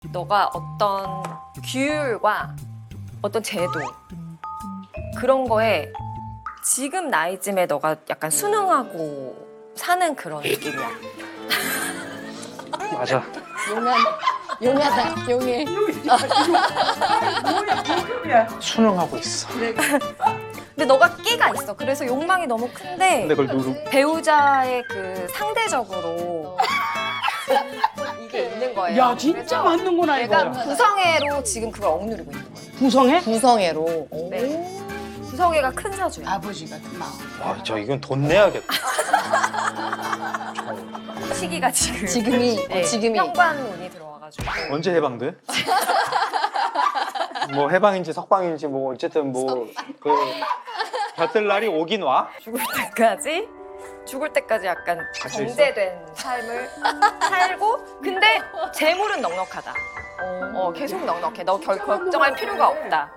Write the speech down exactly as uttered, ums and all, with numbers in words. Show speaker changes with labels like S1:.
S1: 너가 어떤 규율과 어떤 제도 그런 거에 지금 나이쯤에 너가 약간 순응하고 사는 그런 느낌이야.
S2: 맞아.
S3: 용한, 용하다, 용해.
S2: 순응하고 있어.
S1: 근데 너가 끼가 있어. 그래서 욕망이 너무 큰데
S2: 근데 그걸 누르.
S1: 배우자의 그 상대적으로 이게 있는 거예요.
S4: 야 진짜
S1: 그래서
S4: 맞는구나
S1: 내가
S4: 이거.
S1: 구성애로 지금 그걸 억누르고 있는 거예요.
S4: 구성해?
S3: 구성애로.
S1: 네. 구성애가 큰 사주야.
S4: 아버지 같은 마음.
S2: 와, 저 이건 돈 내야겠다.
S1: 시기가 지금
S3: 지금이,
S1: 네,
S3: 지금이.
S1: 현관운이 들어와가지고
S2: 언제 해방돼? 뭐 해방인지 석방인지 뭐 어쨌든 뭐 그 볕들 날이 오긴 와.
S1: 죽을 때까지 죽을 때까지 약간
S2: 갇혀 있어?
S1: 정제된 삶을 살고 근데 재물은 넉넉하다. 어, 계속 넉넉해. 너 결, 걱정할 필요가 없다.